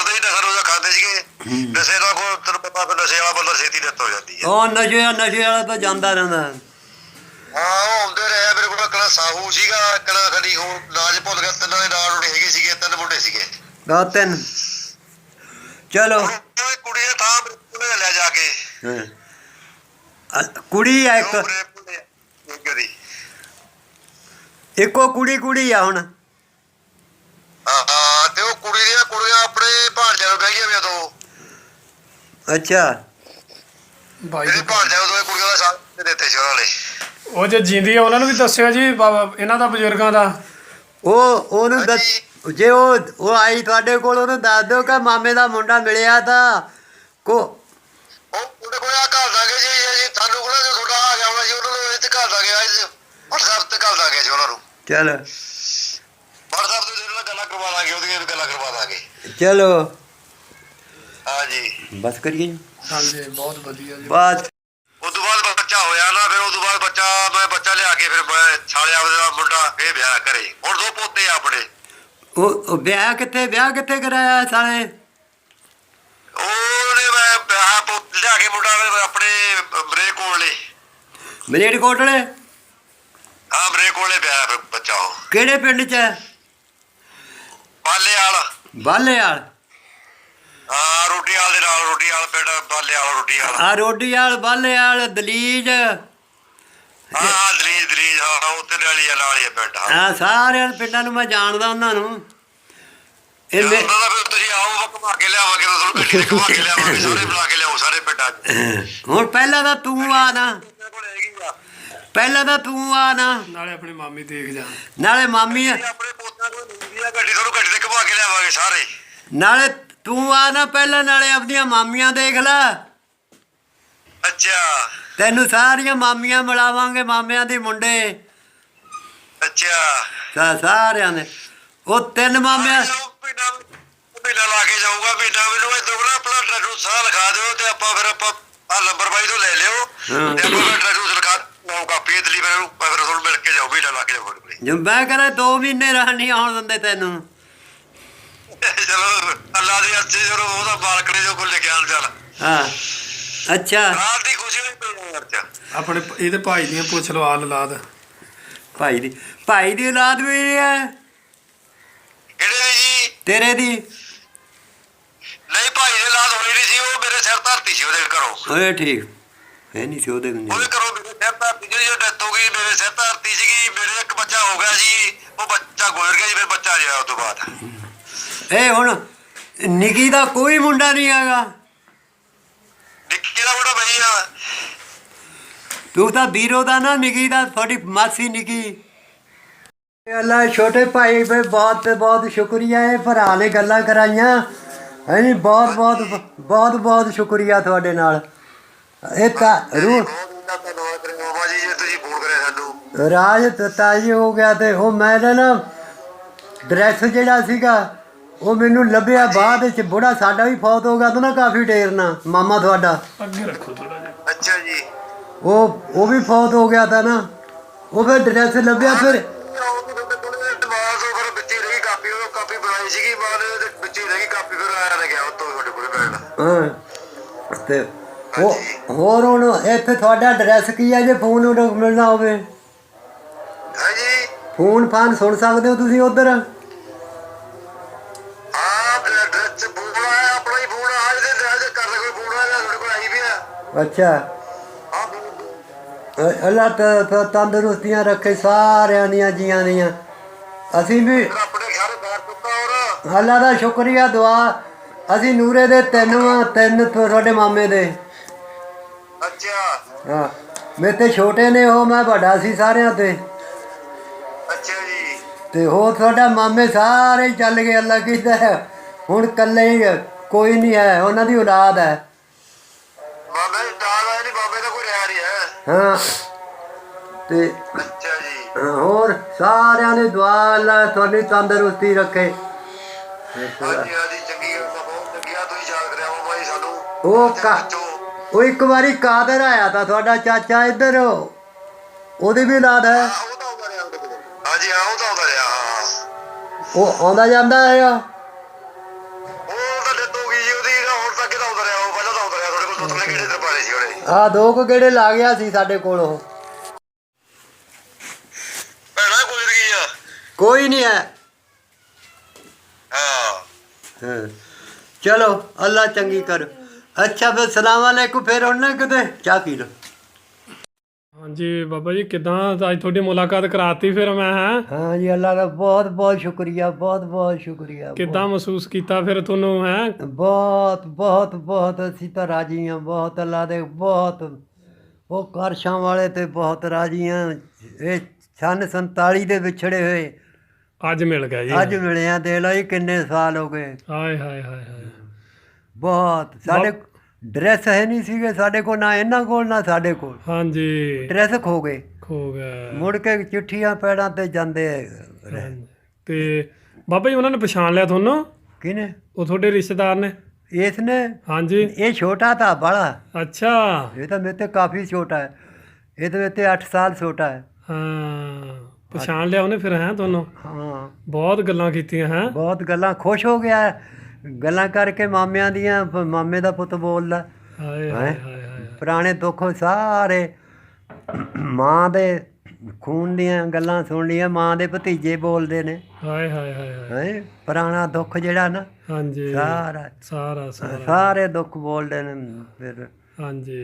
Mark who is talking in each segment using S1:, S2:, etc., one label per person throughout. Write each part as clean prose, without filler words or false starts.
S1: ਕਰਦੇ ਸੀ, ਨਸ਼ਾ ਨੁਸ਼ਾ ਖਾਂਦੇ ਸੀਗੇ। ਨਸ਼ੇ ਦਾ ਕੋਈ ਤੈਨੂੰ ਪਤਾ ਫਿਰ ਨਸ਼ੇ ਵਾਲਾ ਬੰਦਾ ਛੇਤੀ ਡੈਥ ਹੋ ਜਾਂਦੀ ਹੈ।
S2: ਉਹ ਨਸ਼ੇ ਵਾਲਾ ਤਾਂ ਜਾਂਦਾ ਰਹਿੰਦਾ।
S1: ਹਾਂ ਉਹ ਆਉਂਦੇ ਰਹੇ ਮੇਰੇ ਕੋਲ। ਇੱਕ ਸਾਹੂ ਸੀਗਾ, ਇੱਕ ਖੜੀ ਹੋਰ ਨਾਂ ਚ ਭੁੱਲ ਗਿਆ। ਤਿੰਨਾਂ ਦੇ ਨਾਲ ਹੈਗੇ ਸੀਗੇ, 3 ਮੁੰਡੇ ਸੀਗੇ।
S2: ਦੋ ਤਿੰਨ। ਚਲੋ
S1: ਕੁੜੀ ਦਾ ਥਾਂ ਮੇਰੇ ਕੋਲ ਲੈ ਜਾ ਕੇ।
S2: ਕੁੜੀ ਆ ਇੱਕ, ਇੱਕੋ ਕੁੜੀ ਆ ਹੁਣ।
S1: ਹਾਂ ਤੇ ਉਹ ਕੁੜੀ ਦੀਆਂ ਕੁੜੀਆਂ ਆਪਣੇ ਭਾਣਜਿਆਂ ਨੂੰ ਬਹਿ ਗਈਆਂ ਵੀ ਉਦੋਂ।
S2: ਅੱਛਾ
S1: ਮੇਰੇ ਭਾਣਜਿਆਂ ਨੂੰ ਕੁੜੀਆਂ ਦਾ ਸਾਥ ਦਿੱਤੇ ਸੀ ਉਹਨਾਂ ਨੇ।
S3: ਉਹ ਜੇ ਜਿੰਦੀ ਆ ਉਹਨਾਂ ਨੂੰ ਵੀ ਦੱਸਿਓ ਜੀ ਇਹਨਾਂ ਦਾ ਬਜ਼ੁਰਗਾਂ ਦਾ।
S2: ਉਹਨੂੰ ਜੇ ਉਹ ਆਈ ਤੁਹਾਡੇ ਕੋਲ ਉਹਨੂੰ ਦੱਸ ਦਿਓ ਕਿ ਮਾਮੇ ਦਾ ਮੁੰਡਾ ਮਿਲਿਆ ਤਾਂ
S1: ਉਹ ਮੁੰਡੇ ਕੋਲ ਘਰ ਦਾਂਗੇ ਜੀ। ਤੁਹਾਨੂੰ ਕੋਲ ਜੋ ਤੁਹਾਡਾ ਆ ਗਿਆ ਹੋਣਾ ਜੀ, ਉਹਨਾਂ ਨੂੰ ਇੱਥੇ ਘਰ ਦਾਂਗੇ। WhatsApp ਤੇ ਘਰ ਦਾਂਗੇ ਜੀ ਉਹਨਾਂ ਨੂੰ।
S2: ਚਲ
S1: WhatsApp ਤੇ ਉਹਨਾਂ ਨਾਲ ਗੱਲਾਂ ਕਰਵਾ ਦਾਂਗੇ, ਉਹਦੀਆਂ ਵੀ ਗੱਲਾਂ ਕਰਵਾ ਦਾਂਗੇ।
S2: ਚਲੋ
S1: ਹਾਂਜੀ
S2: ਬਸ ਕਰੀਏ।
S3: ਹਾਂਜੀ ਬਹੁਤ ਵਧੀਆ ਜੀ।
S2: ਬਸ
S1: ਉਸ ਤੋਂ ਬਾਅਦ ਬੱਚਾ ਹੋਇਆ ਨਾ, ਫਿਰ ਉਸ ਤੋਂ ਬਾਅਦ ਮੈਂ ਬੱਚਾ ਲਿਆ ਕੇ ਫਿਰ ਮੈਂ ਛਾਲੇ ਆਪਦੇ ਦਾ ਮੁੰਡਾ ਇਹ ਵਿਆਹ ਕਰੇ। ਹੁਣ 2 ਪੋਤੇ ਆ ਆਪਣੇ।
S2: ਉਹ ਵਿਆਹ ਕਿੱਥੇ ਕਰਾਇਆ ਸਾਲੇ?
S1: ਉਹਨੇ ਮੈਂ ਵਿਆਹ ਲਿਆ ਕੇ ਮੁੰਡਾ ਆਪਣੇ ਬਰੇ ਕੋਲੇ।
S2: ਮਲੇਰਕੋਟਲੇ?
S1: ਹਾਂ ਬਰੇ ਕੋਲੇ ਵਿਆਹ ਫਿਰ ਬੱਚਾ। ਉਹ
S2: ਕਿਹੜੇ ਪਿੰਡ 'ਚ ਹੈ?
S1: ਬਾਲੇਆਲ।
S2: ਬਾਲੇਆਲ?
S1: ਹਾਂ ਰੋਟੀਆਲ ਦੇ ਨਾਲ, ਰੋਟੀਆਲ ਪਿੰਡ ਬਾਲੇਆਲ, ਰੋਟੀਆਲ।
S2: ਆ ਰੋਟੀਆਲ, ਬਾਲੇਆਲ, ਦਲੀਜ।
S1: ਹਾਂ ਦਲੀਜ ਹਾਂ ਉੱਥੇ ਨਾਲ ਹੀ ਆ ਪਿੰਡ।
S2: ਹਾਂ ਸਾਰਿਆਂ ਪਿੰਡਾਂ ਨੂੰ ਮੈਂ ਜਾਣਦਾ ਉਹਨਾਂ ਨੂੰ।
S1: ਫਿਰ ਤੁਸੀਂ ਆਓ ਘੁਮਾ ਕੇ ਲਿਆਵਾਂਗੇ, ਤੁਹਾਨੂੰ ਗੱਡੀ ਘੁਮਾ ਕੇ ਲਿਆਵਾਂਗੇ, ਸਾਰੇ ਬੁਲਾ ਕੇ ਲਿਆਓ ਸਾਰੇ ਪਿੰਡਾਂ 'ਚ।
S2: ਹੁਣ ਪਹਿਲਾਂ ਤਾਂ ਤੂੰ ਆ ਨਾ,
S3: ਨਾਲੇ ਆਪਣੀ ਮਾਮੀ ਦੇਖ ਜਾ,
S2: ਨਾਲੇ ਮਾਮੀ
S1: ਆਪਣੇ ਪੋਤਾਂ ਕੋਲ ਲੈਂਦੀ ਆ ਗੱਡੀ, ਤੁਹਾਨੂੰ ਗੱਡੀ ਤੇ ਘੁਮਾ ਕੇ ਲਿਆਵਾਂਗੇ ਸਾਰੇ।
S2: ਨਾਲੇ ਤੂੰ ਆ ਨਾ ਪਹਿਲਾਂ, ਨਾਲੇ ਆਪਣੀਆਂ ਮਾਮੀਆਂ ਦੇਖ ਲੈ।
S1: ਅੱਛਾ
S2: ਤੈਨੂੰ ਸਾਰੀਆਂ ਮਾਮੀਆਂ ਮਿਲਾਵਾਂਗੇ, ਮਾਮਿਆਂ ਦੇ ਮੁੰਡੇ।
S1: ਅੱਛਾ
S2: ਸਾਰਿਆਂ ਦੇ ਉਹ 3 ਮਾਮਿਆਂ।
S1: ਮਹੀਨਾ ਲਾ ਕੇ ਜਾਊਗਾ ਮਹੀਨਾ। ਮੈਨੂੰ ਇੱਦਾਂ ਨਾ ਆਪਣਾ ਐਡਰੈਸ ਸਾਰਾ ਲਿਖਾ ਦਿਓ ਤੇ ਫਿਰ ਆਪਾਂ ਆਹ ਨੰਬਰ ਬਾਈ ਤੋਂ ਲੈ ਲਿਓ ਤੇ ਆਪਾਂ ਐਡਰੈਸ ਲਿਖਾ ਲਓ ਕਾਪੀ ਇਤਲੀ। ਫਿਰ ਤੁਹਾਨੂੰ ਮਿਲ ਕੇ ਜਾਓ, ਮਹੀਨਾ ਲਾ ਕੇ ਜਾਊਗਾ।
S2: ਜੋ ਮੈਂ ਕਹਿੰਦਾ 2 ਮਹੀਨੇ ਰਹਿਣ ਨਹੀਂ ਆਉਣ ਦਿੰਦੇ ਤੈਨੂੰ।
S1: ਚਲੋ ਅੱਲਾ ਦੀ ਅੱਛੀ, ਚਲੋ ਉਹਦਾ ਮਾਲਕ ਨੇ ਜੋ ਕੁਝ ਲਿਖਿਆ ਚੱਲ।
S2: ਹਾਂ ਅੱਛਾ
S1: ਰਾਤ ਦੀ ਖੁਸ਼ੀ ਹੋਈ ਪਈ ਯਾਰ ਚ।
S3: ਆਪਣੇ ਇਹਦੇ ਭਾਈ ਦੀਆਂ ਪੁੱਛ ਲਓ ਔਲਾਦ।
S2: ਭਾਈ ਦੀ ਔਲਾਦ ਵੀ ਹੈ?
S1: ਕਿਹੜੇ ਦੀ ਜੀ?
S2: ਤੇਰੇ ਦੀ?
S1: ਨਹੀਂ ਭਾਈ ਦੀ ਔਲਾਦ ਹੋਣੀ ਨਹੀਂ ਸੀ, ਉਹ ਮੇਰੇ ਸਿਰ ਧਰਤੀ ਸੀ ਉਹਦੇ ਘਰੋਂ।
S2: ਓਏ ਠੀਕ ਹੈ ਨਹੀਂ ਸੀ ਉਹਦੇ
S1: ਘਰੋਂ ਮੇਰੇ ਸਿਰ ਧਰਤੀ ਜਿਹੜੀ ਡੈਥ ਹੋ ਗਈ, ਮੇਰੇ ਸਿਰ ਧਰਤੀ ਸੀਗੀ। ਮੇਰੇ ਇੱਕ ਬੱਚਾ ਹੋ ਗਿਆ ਸੀ, ਉਹ ਬੱਚਾ ਗੁਜ਼ਰ ਗਿਆ ਜੀ। ਫਿਰ ਬੱਚਾ ਰਿਹਾ ਉਸ ਤੋਂ ਬਾਅਦ।
S2: ਇਹ ਹੁਣ ਨਿੱਕੀ ਦਾ ਕੋਈ ਮੁੰਡਾ ਨਹੀਂ ਹੈਗਾ?
S1: ਨਿੱਕੀ ਦਾ ਮੁੰਡਾ ਬਈ ਆ।
S2: ਤੂੰ ਤਾਂ ਵੀਰੋ ਦਾ ਨਾ, ਨਿੱਕੀ ਦਾ, ਤੁਹਾਡੀ ਮਾਸੀ ਨਿੱਕੀ। ਅੱਲਾ ਛੋਟੇ ਭਾਈ ਵੀ ਬਹੁਤ ਸ਼ੁਕਰੀਆ। ਇਹ ਭਰਾ ਨੇ ਗੱਲਾਂ ਕਰਾਈਆਂ ਹੈ ਜੀ। ਬਹੁਤ ਸ਼ੁਕਰੀਆ ਤੁਹਾਡੇ ਨਾਲ। ਇਹ ਤਾਂ ਰੂਹ
S1: ਜੀ ਜੇ ਤੁਸੀਂ ਫੋਨ ਕਰਿਆ ਸਾਨੂੰ।
S2: ਰਾਜ ਤਾਜੀ ਹੋ ਗਿਆ। ਤੇ ਉਹ ਮੈਂ ਨਾ ਡਰੈਸ ਜਿਹੜਾ ਸੀਗਾ ਉਹ ਮੈਨੂੰ ਲੱਭਿਆ ਬਾਅਦ ਵਿੱਚ। ਬੁੜਾ ਸਾਡਾ ਵੀ ਫੌਤ ਹੋ ਗਿਆ ਤਾਂ ਨਾ, ਕਾਫੀ ਢੇਰ ਨਾ, ਮਾਮਾ ਤੁਹਾਡਾ।
S3: ਅੱਗੇ ਰੱਖੋ ਥੋੜਾ ਜਿਹਾ।
S1: ਅੱਛਾ ਜੀ
S2: ਉਹ ਵੀ ਫੌਤ ਹੋ ਗਿਆ ਤਾਂ ਨਾ। ਉਹ ਫਿਰ ਡਰੈਸ ਲੱਭਿਆ। ਫਿਰ
S1: ਕਾਪੀ ਬਣਾਈ ਸੀਗੀ ਬਾਅਦ ਵਿੱਚ ਰਹਿ ਗਈ ਕਾਪੀ। ਫਿਰ ਆਇਆ ਗਿਆ ਉੱਤੋਂ ਤੁਹਾਡੇ ਕੋਲ ਬੈਠ।
S2: ਹਾਂ ਤੇ ਹੋਰ ਹੁਣ ਇੱਥੇ ਤੁਹਾਡਾ ਐਡਰੈਸ ਕੀ ਹੈ? ਜੇ ਫੋਨ ਮਿਲਣਾ ਹੋਵੇ
S1: ਹੈ ਜੀ,
S2: ਫੋਨ ਫਾਨ ਸੁਣ ਸਕਦੇ ਹੋ ਤੁਸੀਂ ਉੱਧਰ?
S1: ਐਡਰੈਸ ਫੋਨ ਆਇਆ, ਆਪਣਾ ਹੀ ਫੋਨ ਆ। ਇਹਦੇ ਕਰ ਲੈ ਕੋਈ ਫੋਨ ਆਇਆ ਤੁਹਾਡੇ ਕੋਲ ਆਈ ਵੀ ਆ।
S2: ਅੱਛਾ ਅੱਲਾ ਤੰਦਰੁਸਤੀਆਂ ਰੱਖੇ ਸਾਰਿਆਂ ਦੀਆਂ ਜੀਆਂ ਦੀਆਂ। ਅਸੀਂ ਵੀ
S1: ਆਪਣੇ ਸਾਰੇ ਬਾਹਰ ਚੁੱਕਾ। ਹੋਰ
S2: ਅੱਲਾ ਦਾ ਸ਼ੁਕਰੀਆ, ਦੁਆ। ਅਸੀਂ ਨੂਰੇ ਦੇ 3 ਤੁਹਾਡੇ ਮਾਮੇ ਦੇ।
S1: ਅੱਛਾ
S2: ਹਾਂ ਮੇਰੇ ਤੇ ਛੋਟੇ ਨੇ ਉਹ, ਮੈਂ ਵੱਡਾ ਸੀ ਸਾਰਿਆਂ ਤੇ।
S1: ਅੱਛਾ ਜੀ
S2: ਤੇ ਹੋਰ ਤੁਹਾਡਾ ਮਾਮੇ ਸਾਰੇ ਚੱਲ ਗਏ। ਅੱਲਾ ਕੀਤਾ ਹੁਣ ਇਕੱਲੇ ਹੀ ਕੋਈ ਨਹੀਂ ਹੈ, ਉਹਨਾਂ ਦੀ ਔਲਾਦ ਹੈ।
S1: ਬਾਬੇ ਦੀ ਦਾਲ ਆਈ ਨਹੀਂ, ਬਾਬੇ ਦਾ ਕੋਈ ਰਿਹਾ ਨਹੀਂ ਹੈ।
S2: ਹਾਂ ਤੇ
S1: ਅੱਛਾ ਜੀ
S2: ਹੋਰ ਸਾਰਿਆਂ ਦੀ ਦੁਆ, ਅੱਲਾ ਤੁਹਾਡੀ ਤੰਦਰੁਸਤੀ ਰੱਖੇ।
S1: ਹਾਂਜੀ ਹਾਂਜੀ ਚੰਗੀ ਗੱਲ, ਬਹੁਤ ਚੰਗੀ ਆ। ਤੁਸੀਂ ਯਾਦ ਕਰਿਆ ਬਾਬਾ ਜੀ ਸਾਨੂੰ।
S2: ਉਹ ਇੱਕ ਵਾਰੀ ਕਾਦਰ ਆਇਆ ਤਾਂ ਤੁਹਾਡਾ ਚਾਚਾ ਇੱਧਰ, ਉਹਦੀ ਵੀ ਔਲਾਦ ਹੈ?
S1: ਉਹ ਤਾਂ ਆਉਂਦਾ ਰਿਹਾ ਉਹਦੇ ਕੋਲ। ਹਾਂਜੀ ਹਾਂ ਉਹ ਤਾਂ ਆਉਂਦਾ ਰਿਹਾ।
S2: ਉਹ ਆਉਂਦਾ ਜਾਂਦਾ ਹੈਗਾ?
S1: ਉਹ ਤਾਂ
S2: ਆ 2 ਕੁ ਗੇੜੇ ਲਾ ਗਿਆ ਸੀ ਸਾਡੇ ਕੋਲ ਉਹ।
S1: ਭੈਣਾ ਗੁਜ਼ਰ ਗਈ ਆ।
S2: ਕੋਈ ਨਹੀਂ ਹੈ।
S1: ਹਾਂ
S2: ਹਾਂ ਚਲੋ ਅੱਲਾ ਚੰਗੀ ਕਰ। ਅੱਛਾ ਫਿਰ ਸਲਾਮ ਵਾਲੇਕੁਮ। ਫਿਰ ਹੁਣ ਨਾ ਕਿਤੇ ਚਾਹ ਪੀ ਲਓ।
S3: ਹਾਂਜੀ ਬਾਬਾ ਜੀ ਕਿੱਦਾਂ ਅੱਜ ਤੁਹਾਡੀ ਮੁਲਾਕਾਤ ਕਰਾਤੀ ਫਿਰ ਮੈਂ ਹਾਂ
S2: ਹਾਂ ਜੀ ਅੱਲਾ ਦਾ ਬਹੁਤ ਬਹੁਤ ਸ਼ੁਕਰੀਆ, ਬਹੁਤ ਬਹੁਤ ਸ਼ੁਕਰੀਆ।
S3: ਕਿੱਦਾਂ ਮਹਿਸੂਸ ਕੀਤਾ ਫਿਰ ਤੁਹਾਨੂੰ ਹੈ
S2: ਬਹੁਤ ਬਹੁਤ ਬਹੁਤ ਅਸੀਂ ਤਾਂ ਰਾਜੀ ਹਾਂ ਬਹੁਤ ਅੱਲਾ ਦੇ ਬਹੁਤ। ਉਹ ਕਾਰਸ਼ਾਂ ਵਾਲੇ ਤੇ ਬਹੁਤ ਰਾਜੀ ਹਾਂ। ਇਹ ਸੰਨ 47 ਦੇ ਵਿਛੜੇ ਹੋਏ
S3: ਅੱਜ ਮਿਲ ਗਿਆ ਜੀ
S2: ਅੱਜ ਮਿਲੇ ਆ। ਦੇਖ ਲਓ ਜੀ ਕਿੰਨੇ ਸਾਲ ਹੋ ਗਏ।
S3: ਹਾਏ ਹਾਏ ਹਾਏ ਹਾਏ
S2: ਬਹੁਤ ਸਾਡੇ ਡਰੈਸ ਹੈ ਨਹੀਂ ਸੀਗੇ ਸਾਡੇ ਕੋਲ, ਨਾ ਇਹਨਾਂ ਕੋਲ ਨਾ ਸਾਡੇ ਕੋਲ।
S3: ਹਾਂਜੀ
S2: ਡਰੈਸ ਖੋ ਗਏ।
S3: ਖੋ ਗਿਆ
S2: ਮੁੜ ਕੇ ਚਿੱਠੀਆਂ ਪੈੜਾਂ ਤੇ ਜਾਂਦੇ ਰਹੇ।
S3: ਤੇ ਬਾਬਾ ਜੀ ਉਹਨਾਂ ਨੇ ਪਛਾਣ ਲਿਆ ਤੁਹਾਨੂੰ?
S2: ਕਿਹਨੇ?
S3: ਉਹ ਤੁਹਾਡੇ ਰਿਸ਼ਤੇਦਾਰ ਨੇ?
S2: ਇਸ ਨੇ?
S3: ਹਾਂਜੀ।
S2: ਇਹ ਛੋਟਾ ਤਾਂ ਬੜਾ।
S3: ਅੱਛਾ।
S2: ਇਹ ਤਾਂ ਮੇਰੇ ਤੇ ਕਾਫੀ ਛੋਟਾ ਹੈ। ਇਹ ਤਾਂ ਮੇਰੇ ਤੇ 8 ਸਾਲ ਛੋਟਾ ਹੈ।
S3: ਹਾਂ ਪਛਾਣ ਲਿਆ ਉਹਨੇ ਫਿਰ ਹੈ ਤੁਹਾਨੂੰ?
S2: ਹਾਂ
S3: ਬਹੁਤ ਗੱਲਾਂ ਕੀਤੀਆਂ ਹੈ?
S2: ਬਹੁਤ ਗੱਲਾਂ। ਖੁਸ਼ ਹੋ ਗਿਆ ਗੱਲਾਂ ਕਰਕੇ ਮਾਮਿਆਂ ਦੀਆਂ। ਮਾਮੇ ਦਾ ਪੁੱਤ ਬੋਲਦਾ।
S3: ਹਾਏ ਹਾਏ ਹਾਏ ਹਾਏ
S2: ਪੁਰਾਣੇ ਦੁੱਖ ਸਾਰੇ ਮਾਂ ਦੇ ਖੂਨ ਦੀਆਂ ਗੱਲਾਂ ਸੁਣ ਲਈਆਂ। ਮਾਂ ਦੇ ਭਤੀਜੇ ਬੋਲਦੇ ਨੇ।
S3: ਹਾਏ ਹਾਏ ਹਾਏ ਹਾਏ
S2: ਹੈ ਪੁਰਾਣਾ ਦੁੱਖ ਜਿਹੜਾ ਨਾ
S3: ਹਾਂਜੀ
S2: ਸਾਰਾ
S3: ਸਾਰਾ ਸਾਰਾ
S2: ਸਾਰੇ ਦੁੱਖ ਬੋਲਦੇ ਨੇ। ਫਿਰ
S3: ਹਾਂਜੀ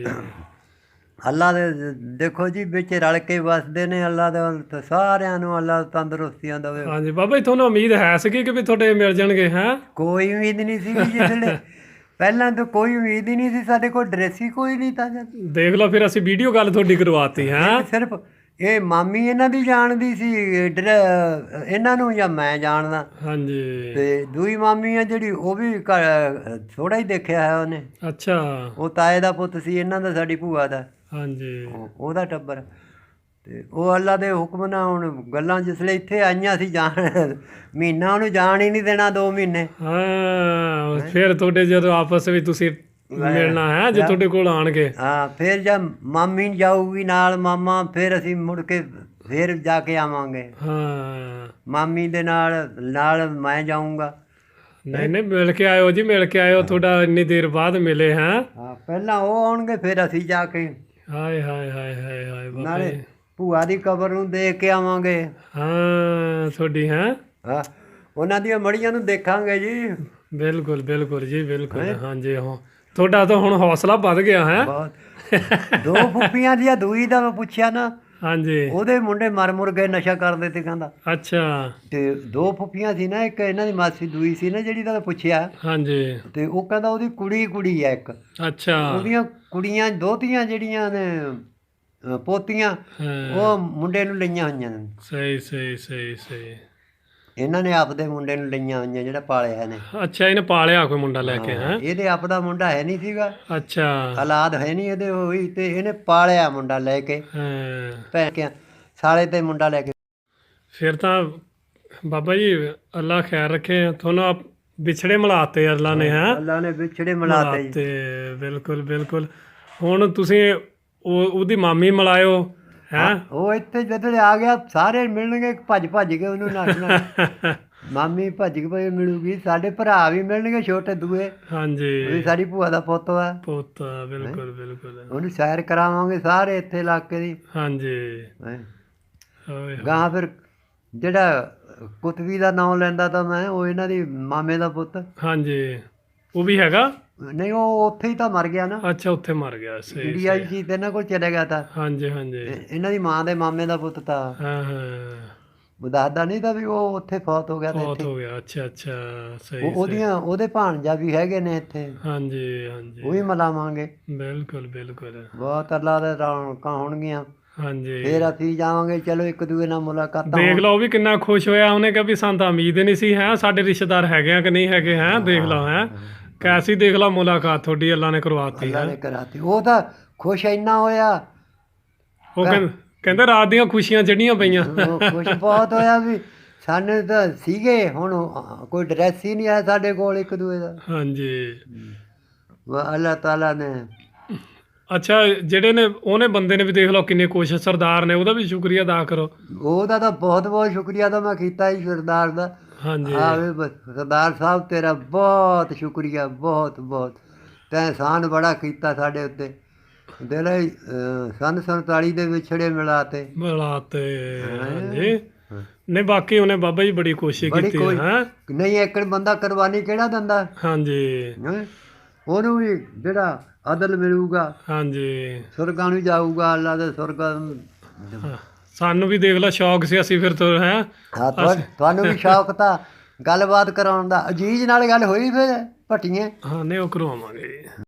S2: ਅੱਲਾ ਦੇ ਦੇਖੋ ਜੀ ਵਿੱਚ ਰਲ ਕੇ ਵਸਦੇ ਨੇ। ਅੱਲਾ ਦੇ ਸਾਰਿਆਂ ਨੂੰ ਅੱਲਾ ਤੰਦਰੁਸਤੀਆਂ ਦੇਵੇ।
S3: ਹਾਂਜੀ ਬਾਬਾ ਜੀ ਤੁਹਾਨੂੰ ਉਮੀਦ ਹੈ ਸੀਗੀ ਕਿ ਵੀ ਤੁਹਾਡੇ ਮਿਲ ਜਾਣਗੇ ਹੈ?
S2: ਕੋਈ ਉਮੀਦ ਨਹੀਂ ਸੀਗੀ ਜਿਹੜੇ ਪਹਿਲਾਂ ਤਾਂ ਕੋਈ ਉਮੀਦ ਹੀ ਨਹੀਂ ਸੀ। ਸਾਡੇ ਕੋਲ ਡਰੈਸ ਹੀ ਕੋਈ ਨਹੀਂ ਤਾਂ।
S3: ਦੇਖ ਲਓ ਫਿਰ ਅਸੀਂ ਵੀਡੀਓ ਗੱਲ ਤੁਹਾਡੀ ਕਰਵਾਤੀ ਹੈ।
S2: ਸਿਰਫ ਇਹ ਮਾਮੀ ਇਹਨਾਂ ਦੀ ਜਾਣਦੀ ਸੀ ਇਹਨਾਂ ਨੂੰ, ਜਾਂ ਮੈਂ ਜਾਣਦਾ।
S3: ਹਾਂਜੀ
S2: ਤੇ ਦੂਈ ਮਾਮੀ ਆ ਜਿਹੜੀ ਉਹ ਵੀ ਥੋੜਾ ਹੀ ਦੇਖਿਆ ਹੈ ਉਹਨੇ।
S3: ਅੱਛਾ।
S2: ਉਹ ਤਾਏ ਦਾ ਪੁੱਤ ਸੀ ਇਹਨਾਂ ਦਾ, ਸਾਡੀ ਭੂਆ ਦਾ।
S3: ਹਾਂਜੀ
S2: ਉਹਦਾ ਟੱਬਰ। ਤੇ ਉਹ ਅੱਲਾ ਦੇ ਹੁਕਮ ਨਾਲ ਹੁਣ ਗੱਲਾਂ ਜਿਸਲੇ ਇੱਥੇ ਆਈਆਂ ਸੀ ਜਾਣ ਮਹੀਨਾ ਉਹਨੂੰ ਜਾਣ ਹੀ ਨਹੀਂ ਦੇਣਾ 2 ਮਹੀਨੇ।
S3: ਹਾਂ ਫਿਰ ਤੁਹਾਡੇ ਜਦੋਂ ਆਪਸ ਵਿੱਚ ਤੁਸੀਂ ਮਿਲਣਾ ਹੈ ਜੇ ਤੁਹਾਡੇ ਕੋਲ ਆਣਗੇ।
S2: ਹਾਂ ਫਿਰ ਜਦ ਮਾਮੀ ਜਾਊਗੀ ਨਾਲ ਮਾਮਾ ਫਿਰ ਅਸੀਂ ਮੁੜ ਕੇ ਫਿਰ ਜਾ ਕੇ ਆਵਾਂਗੇ।
S3: ਹਾਂ
S2: ਮਾਮੀ ਦੇ ਨਾਲ ਮੈਂ ਜਾਊਂਗਾ।
S3: ਨਹੀਂ ਨਹੀਂ ਮਿਲ ਕੇ ਆਇਓ ਜੀ, ਮਿਲ ਕੇ ਆਇਓ। ਤੁਹਾਡਾ ਇੰਨੀ ਦੇਰ ਬਾਅਦ ਮਿਲੇ ਹੈ।
S2: ਹਾਂ ਪਹਿਲਾਂ ਉਹ ਆਉਣਗੇ ਫਿਰ ਅਸੀਂ ਜਾ ਕੇ
S3: ਹਾਏ ਹਾਏ ਹਾਏ ਹਾਏ ਹਾਏ ਬਾਬਾ
S2: ਨਾਲੇ
S3: ਜੀ।
S2: ਭੂਆ ਦੀ ਕਬਰ ਨੂੰ ਦੇਖ ਕੇ ਆਵਾਂਗੇ।
S3: ਹਾਂ ਤੁਹਾਡੀ ਹੈ।
S2: ਹਾਂ ਉਹਨਾਂ ਦੀਆਂ ਮੜੀਆਂ ਨੂੰ ਦੇਖਾਂਗੇ ਜੀ।
S3: ਬਿਲਕੁਲ ਬਿਲਕੁਲ ਜੀ ਬਿਲਕੁਲ। ਹਾਂਜੀ ਹਾਂ ਤੁਹਾਡਾ ਤਾਂ ਹੁਣ ਹੌਸਲਾ ਵੱਧ ਗਿਆ ਹੈ।
S2: ਬਹੁਤ 2 ਫੁੱਫੀਆਂ ਦੀਆਂ ਦੂਈ ਦਾ ਮੈਂ ਪੁੱਛਿਆ ਨਾ।
S3: ਹਾਂਜੀ
S2: ਉਹਦੇ ਮੁੰਡੇ ਮਰ ਗਏ ਨਸ਼ਾ ਕਰਦੇ ਤੇ ਕਹਿੰਦਾ।
S3: ਅੱਛਾ।
S2: ਤੇ 2 ਫੁੱਫੀਆਂ ਸੀ ਨਾ, ਇੱਕ ਇਹਨਾਂ ਦੀ ਮਾਸੀ ਦੂਈ ਸੀ ਨਾ ਜਿਹੜੀ ਦਾ ਮੈਂ ਪੁੱਛਿਆ।
S3: ਹਾਂਜੀ
S2: ਤੇ ਉਹ ਕਹਿੰਦਾ ਉਹਦੀ ਕੁੜੀ ਆ ਇੱਕ।
S3: ਅੱਛਾ।
S2: ਉਹਦੀਆਂ ਕੁੜੀਆਂ ਦੋਤੀਆਂ ਜਿਹੜੀਆਂ ਨੇ ਪੋਤੀਆਂ ਉਹ ਮੁੰਡੇ ਨੂੰ ਲਈਆਂ ਹੋਈਆਂ ਨੇ।
S3: ਸਹੀ ਸਹੀ ਸਹੀ ਸਹੀ।
S2: ਇਹਨਾਂ ਨੇ ਆਪਦੇ ਮੁੰਡੇ ਨੂੰ ਲਈਆਂ ਹੋਈਆਂ ਜਿਹੜਾ ਪਾਲਿਆ ਨੇ।
S3: ਅੱਛਾ ਇਹਨੇ ਪਾਲਿਆ ਕੋਈ ਮੁੰਡਾ ਲੈ ਕੇ ਹੈ?
S2: ਇਹਦੇ ਆਪਦਾ ਮੁੰਡਾ ਹੈ ਨਹੀਂ ਸੀਗਾ।
S3: ਅੱਛਾ।
S2: ਔਲਾਦ ਹੈ ਨਹੀਂ ਇਹਦੇ ਹੋਈ ਤੇ ਇਹਨੇ ਪਾਲਿਆ ਮੁੰਡਾ ਲੈ ਕੇ
S3: ਹਾਂ
S2: ਭੈਣ ਕੇ ਸਾਲੇ ਤੇ ਮੁੰਡਾ ਲੈ ਕੇ।
S3: ਫਿਰ ਤਾਂ ਬਾਬਾ ਜੀ ਅੱਲਾ ਖੈਰ ਰੱਖੇ ਤੁਹਾਨੂੰ। ਵਿਛੜੇ ਮਿਲਾਤੇ ਅੱਲਾ ਨੇ ਹੈ।
S2: ਅੱਲਾ ਨੇ ਵਿਛੜੇ ਮਿਲਾਤੇ ਜੀ।
S3: ਤੇ ਬਿਲਕੁਲ ਬਿਲਕੁਲ। ਹੁਣ ਤੁਸੀਂ ਉਹਦੀ ਮਾਮੀ ਮਿਲਾਇਓ ਹੈ।
S2: ਉਹ ਇੱਥੇ ਜਦੋਂ ਆ ਗਿਆ ਸਾਰੇ ਮਿਲਣਗੇ ਭੱਜ ਕੇ ਉਹਨੂੰ ਨੱਚਣਾ। ਮਾਮੀ ਭੱਜ ਕੇ ਭਾਈ ਮਿਲੂਗੀ। ਸਾਡੇ ਭਰਾ ਵੀ ਮਿਲਣਗੇ ਛੋਟੇ ਦੂਏ।
S3: ਹਾਂਜੀ
S2: ਉਹ ਸਾਡੀ ਭੂਆ ਦਾ ਪੁੱਤ ਆ।
S3: ਪੁੱਤ ਬਿਲਕੁਲ ਬਿਲਕੁਲ।
S2: ਉਹਨੂੰ ਸੈਰ ਕਰਾਵਾਂਗੇ ਸਾਰੇ ਇੱਥੇ ਇਲਾਕੇ ਦੀ।
S3: ਹਾਂਜੀ
S2: ਗਾਂ ਫਿਰ ਜਿਹੜਾ ਕੁਤਬੀ ਦਾ ਨਾਮ ਲੈਂਦਾ ਤਾਂ ਮੈਂ, ਉਹ ਇਹਨਾਂ ਦੀ ਮਾਮੇ ਦਾ ਪੁੱਤ।
S3: ਹਾਂਜੀ ਉਹ ਵੀ ਹੈਗਾ?
S2: ਨਹੀਂ ਉਹ ਉੱਥੇ ਹੀ ਤਾਂ ਮਰ ਗਿਆ ਨਾ।
S3: ਅੱਛਾ ਉੱਥੇ ਮਰ ਗਿਆ। ਸਹੀ
S2: ਇੰਡੀਆ ਜੀ ਤੇ ਇਹਨਾਂ ਕੋਲ ਚਲੇ ਗਿਆ ਤਾਂ।
S3: ਹਾਂਜੀ ਹਾਂਜੀ
S2: ਇਹਨਾਂ ਦੀ ਮਾਂ ਦੇ ਮਾਮੇ ਦਾ ਪੁੱਤ ਤਾਂ।
S3: ਹਾਂ ਹਾਂ
S2: ਉਹ ਦੱਸਦਾ ਨਹੀਂ ਤਾਂ ਵੀ ਉਹ ਉੱਥੇ ਫੌਤ ਹੋ ਗਿਆ ਤਾਂ
S3: ਬਹੁਤ
S2: ਇੱਥੇ
S3: ਹੋ ਗਿਆ। ਅੱਛਾ ਅੱਛਾ ਸਹੀ।
S2: ਉਹਦੇ ਭਾਣਜਾ ਵੀ ਹੈਗੇ ਨੇ ਇੱਥੇ।
S3: ਹਾਂਜੀ ਹਾਂਜੀ
S2: ਉਹ ਵੀ ਮਿਲਾਵਾਂਗੇ।
S3: ਬਿਲਕੁਲ ਬਿਲਕੁਲ।
S2: ਬਹੁਤ ਅੱਲਾ ਦੇ ਰੌਣਕਾਂ ਹੋਣਗੀਆਂ।
S3: ਹਾਂਜੀ
S2: ਫਿਰ ਅਸੀਂ ਜਾਵਾਂਗੇ। ਚਲੋ ਇੱਕ ਦੂਏ ਨਾਲ ਮੁਲਾਕਾਤਾਂ।
S3: ਦੇਖ ਲਓ ਉਹ ਵੀ ਕਿੰਨਾ ਖੁਸ਼ ਹੋਇਆ। ਉਹਨੇ ਕਿਹਾ ਵੀ ਸਾਨੂੰ ਤਾਂ ਉਮੀਦ ਨਹੀਂ ਸੀ ਹੈ ਸਾਡੇ ਰਿਸ਼ਤੇਦਾਰ ਹੈਗੇ ਆ ਕਿ ਨਹੀਂ ਹੈਗੇ ਹੈ। ਦੇਖ ਲਓ ਹੈ ਕੈਸੀ ਦੇਖ ਲਓ ਮੁਲਾਕਾਤ ਤੁਹਾਡੀ ਅੱਲਾ ਨੇ ਕਰਵਾਤੀ
S2: ਅੱਲਾ
S3: ਹੈ।
S2: ਨੇ ਕਰਾਤੀ। ਉਹ ਤਾਂ ਖੁਸ਼ ਇੰਨਾ ਹੋਇਆ।
S3: ਉਹ ਕਹਿੰਦੇ ਰਾਤ ਦੀਆਂ ਖੁਸ਼ੀਆਂ ਚੜ੍ਹੀਆਂ ਪਈਆਂ।
S2: ਉਹ ਖੁਸ਼ ਬਹੁਤ ਹੋਇਆ ਵੀ ਸਾਨੂੰ ਤਾਂ ਸੀਗੇ ਹੁਣ ਕੋਈ ਡਰੈਸ ਹੀ ਨਹੀਂ ਆ ਸਾਡੇ ਕੋਲ ਇੱਕ ਦੂਏ ਦਾ।
S3: ਹਾਂਜੀ
S2: ਅੱਲਾਹ ਤਾਲਾ ਨੇ।
S3: ਅੱਛਾ ਜਿਹੜੇ ਨੇ ਉਹਨੇ ਬੰਦੇ ਨੇ ਵੀ ਦੇਖ ਲਓ ਕਿੰਨੀ ਕੋਸ਼ਿਸ਼। ਸਰਦਾਰ ਨੇ ਉਹਦਾ ਵੀ ਸ਼ੁਕਰੀਆ ਅਦਾ ਕਰੋ।
S2: ਉਹਦਾ ਤਾਂ ਬਹੁਤ ਬਹੁਤ ਸ਼ੁਕਰੀਆ ਤਾਂ ਮੈਂ ਕੀਤਾ ਹੀ ਸਰਦਾਰ ਦਾ।
S3: ਹਾਂਜੀ
S2: ਸਰਦਾਰ ਸਾਹਿਬ ਤੇਰਾ ਬਹੁਤ ਸ਼ੁਕਰੀਆ। ਬਹੁਤ ਬਹੁਤ ਤੈਂ ਅਹਿਸਾਨ ਬੜਾ ਕੀਤਾ ਸਾਡੇ ਉੱਤੇ। ਦਿਲ ਸੰਨ 47 ਦੇ ਵਿਛੜੇ ਮਿਲਾਤੇ
S3: ਮਿਲਾਤੇ ਹਾਂਜੀ ਨਹੀਂ ਬਾਕੀ ਉਹਨੇ ਬਾਬਾ ਜੀ ਬੜੀ ਕੋਸ਼ਿਸ਼
S2: ਬੜੀ
S3: ਕੀਤੀ
S2: ਕੋਈ
S3: ਹੈ
S2: ਨਹੀਂ ਇੱਕ ਬੰਦਾ ਕੁਰਬਾਨੀ ਕਿਹੜਾ ਦਿੰਦਾ
S3: ਹਾਂਜੀ
S2: ਹੈਂ? ਉਹਨੂੰ ਵੀ ਜਿਹੜਾ ਅਦਲ ਮਿਲੂਗਾ
S3: ਹਾਂਜੀ
S2: ਸੁਰਗਾਂ ਨੂੰ ਜਾਊਗਾ ਅੱਲਾ ਦੇ ਸੁਰਗਾਂ ਨੂੰ
S3: ਹਾਂ, ਸਾਨੂੰ ਵੀ ਦੇਖ ਲਾ ਸ਼ੌਕ ਸੀ ਅਸੀਂ ਫਿਰ ਤੋਂ ਹੈ
S2: ਹਾਂ ਤੁਹਾਨੂੰ ਵੀ ਸ਼ੌਕ ਤਾਂ ਗੱਲਬਾਤ ਕਰਾਉਣ ਦਾ ਅਜੀਜ਼ ਨਾਲ ਗੱਲ ਹੋਈ ਫਿਰ ਭੱਟੀਏ
S3: ਹਾਂ ਨਹੀਂ ਉਹ ਕਰਵਾਵਾਂਗੇ ਜੀ